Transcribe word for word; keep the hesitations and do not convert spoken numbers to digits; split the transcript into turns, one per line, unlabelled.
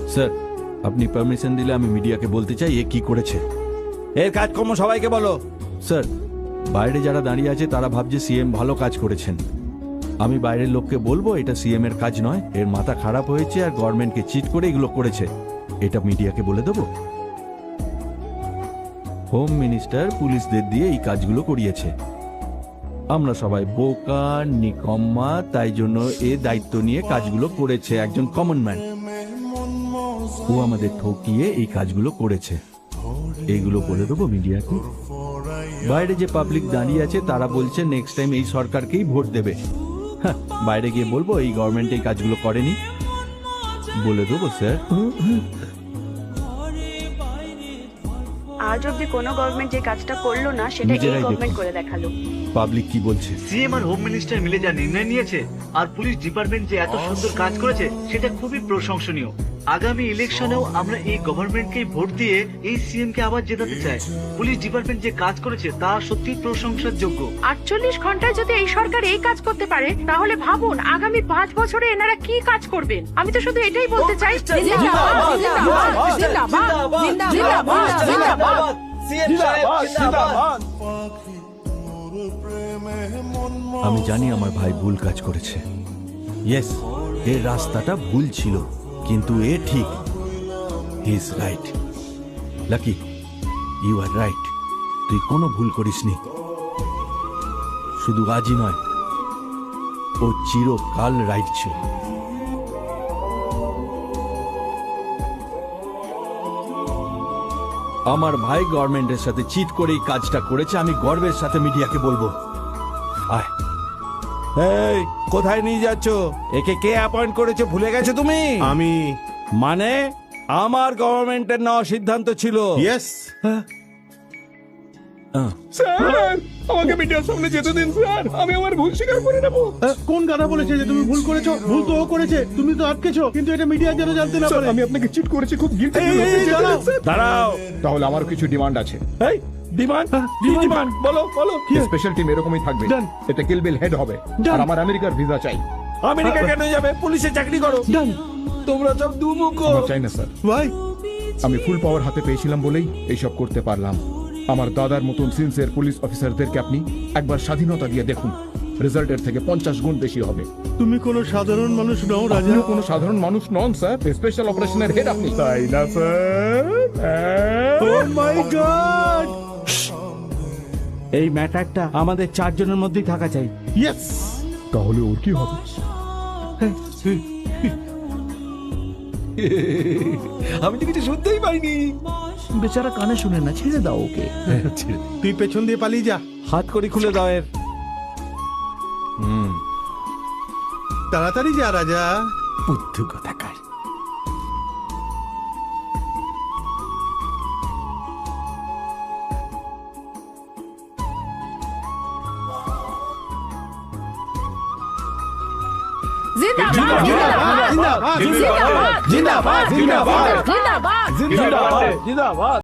Sir আপনি permission দিলে আমি মিডিয়াকে বলতে চাই এ কি করেছে।
এর কাজকর্ম সবাইকে বলো।
স্যার বাইরে যারা দাঁড়িয়ে আছে তারা ভাবছে সিএম ভালো কাজ করেছেন। আমি বাইরের লোককে বলবো এটা সিএম এর কাজ নয়, এর মাথা খারাপ হয়েছে আর গভর্নমেন্টকে চিট করে এগুলো করেছে। এটা মিডিয়াকে বলে দেবো। হোম মিনিস্টার পুলিশদের দিয়ে এই কাজগুলো করিয়েছে। আমরা সবাই বোকা নিকম্মা, তাই জন্য এ দায়িত্ব নিয়ে কাজগুলো করেছে। একজন কমন ম্যান, ও আমাদের ঠকিয়ে এই কাজগুলো করেছে। এইগুলো বলে দেবো মিডিয়াকে। বাইরে যে পাবলিক দাঁড়িয়ে আছে তারা বলছে নেক্সট টাইম এই সরকারকেই ভোট দেবে। হ্যাঁ, বাইরে গিয়ে বলবো এই গভর্নমেন্ট এই কাজগুলো করেনি, বলে দেবো স্যার।
আজ অব্দি কোনো গভর্নমেন্ট যে কাজটা করলো না সেটা এই
নিজেরাই
গভর্নমেন্ট
দেখুন।
করে দেখালো।
পাবলিক কি বলছে?
সিএম আর হোম মিনিস্টার মিলে যা নির্ণয় নিয়েছে আর পুলিশ ডিপার্টমেন্ট যে এত সুন্দর কাজ করেছে সেটা খুবই প্রশংসনীয়। আগামী ইলেকশনেও আমরা এই গভর্নমেন্টকেই ভোট দিয়ে এই সিএম কে আবার জেতাতে চাই। পুলিশ ডিপার্টমেন্ট যে কাজ করেছে তা সত্যি প্রশংসার যোগ্য।
আটচল্লিশ ঘন্টায় যদি এই সরকার এই কাজ করতে পারে তাহলে ভাবুন আগামী পাঁচ বছরে এনারা কি কাজ করবেন। আমি তো শুধু এটাই বলতে চাই,
আমি জানি আমার ভাই ভুল কাজ করেছে। ইয়েস, এর রাস্তাটা ভুল ছিল, কিন্তু এ ঠিক। He is right. Lucky, you are right. তুই কোনো ভুল করিসনি। শুধু আজই নয়, ও চিরকাল রাইট ছিল। আমার ভাই গভর্নমেন্টের সাথে চিট করে এই কাজটা করেছে। আমি গর্বের সাথে মিডিয়াকে বলবো। আয়,
এই কোথায় নিয়ে যাচ্ছ? একে কে অ্যাপয়েন্ট করেছে ভুলে গেছো তুমি?
আমি।
মানে আমার গভর্নমেন্টের নেওয়া সিদ্ধান্ত ছিল।
ইয়েস
আহ,
স্যার, আমাকে মিডিয়ার সামনে যেতে দিন স্যার, আমি আমার ভুল স্বীকার করে নেব। কোন গাধা বলেছে যে তুমি ভুল করেছো? ভুল তো ও করেছে, তুমি তো আটকেছো, কিন্তু এটা মিডিয়া যেন জানতে না পারে। আমি আপনাকে চিট করেছি, খুব গিল্টি ফিল হচ্ছে।
দাঁড়াও,
তাহলে আমার কিছু ডিমান্ড আছে।
এই ডিমান্ড কি ডিমান্ড বলো বলো।
স্পেশাল টিম এরকমই থাকবে, এটা কিলবিল হেড হবে, আর আমার আমেরিকার ভিসা চাই।
আমেরিকা কেন যাবে? পুলিশে চাকরি করো। তোমরা সব দুমুখো।
আমার চাই না স্যার। ভাই, আমি ফুল পাওয়ার হাতে পেয়েছিলাম বলেই এইসব করতে পারলাম। আমার দাদার মতন সিনসিয়ার পুলিশ অফিসারদেরকে আপনি একবার স্বাধীনতা দিয়ে দেখুন, রেজাল্টের থেকে পঞ্চাশ গুণ বেশি হবে।
তুমি কোনো সাধারণ মানুষ নও রাজা।
আপনিও কোনো সাধারণ মানুষ নন স্যার, স্পেশাল অপারেশনের হেড আপনি। তাই না স্যার?
ও মাই গড,
এই ম্যাটারটা আমাদের চারজনের মধ্যেই থাকা চাই।
ইয়েস। তাহলে ওর কি হবে?
আমি তো কিছু শুনতেই পাইনি। বেচারা কানে শুনে না, ছেড়ে দাও ওকে।
তুই পেছন দিয়ে পালিয়ে যা।
হাত করি খুলে দাও এর।
হুম,
তাড়াতাড়ি যা রাজা।
বুদ্ধু কোথাকার।
জিন্দাবাদ, জিন্দাবাদ, জিন্দাবাদ,
জিন্দাবাদ জিন্দাবাদ
জিন্দাবাদ।
জিন্দাবাদ জিন্দাবাদ।